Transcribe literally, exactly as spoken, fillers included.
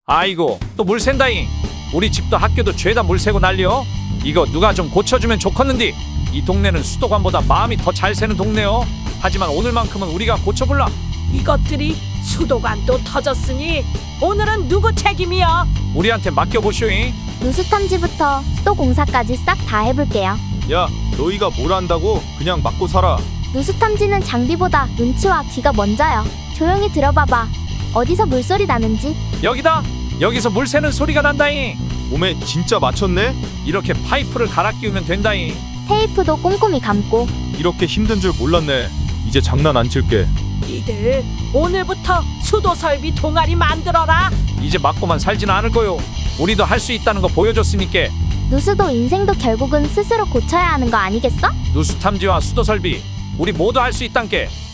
아이고 또 물 샌다잉. 우리 집도 학교도 죄다 물 새고 난리여. 이거 누가 좀 고쳐주면 좋겠는디. 이 동네는 수도관보다 마음이 더 잘 새는 동네여. 하지만 오늘만큼은 우리가 고쳐볼라. 이것들이 수도관도 터졌으니 오늘은 누구 책임이야? 우리한테 맡겨보쇼잉. 누수탐지부터 수도공사까지 싹 다 해볼게요. 야, 너희가 뭘 안다고 그냥 맞고 살아. 누수탐지는 장비보다 눈치와 귀가 먼저요. 조용히 들어봐봐. 어디서 물소리 나는지. 여기다. 여기서 물 새는 소리가 난다잉. 몸에 진짜 맞췄네? 이렇게 파이프를 갈아 끼우면 된다잉. 테이프도 꼼꼼히 감고. 이렇게 힘든 줄 몰랐네. 이제 장난 안 칠게. 니들 오늘부터 수도 설비 동아리 만들어라. 이제 맞고만 살지는 않을 거요. 우리도 할 수 있다는 거 보여줬으니까. 누수도 인생도 결국은 스스로 고쳐야 하는 거 아니겠어? 누수 탐지와 수도 설비 우리 모두 할 수 있단께.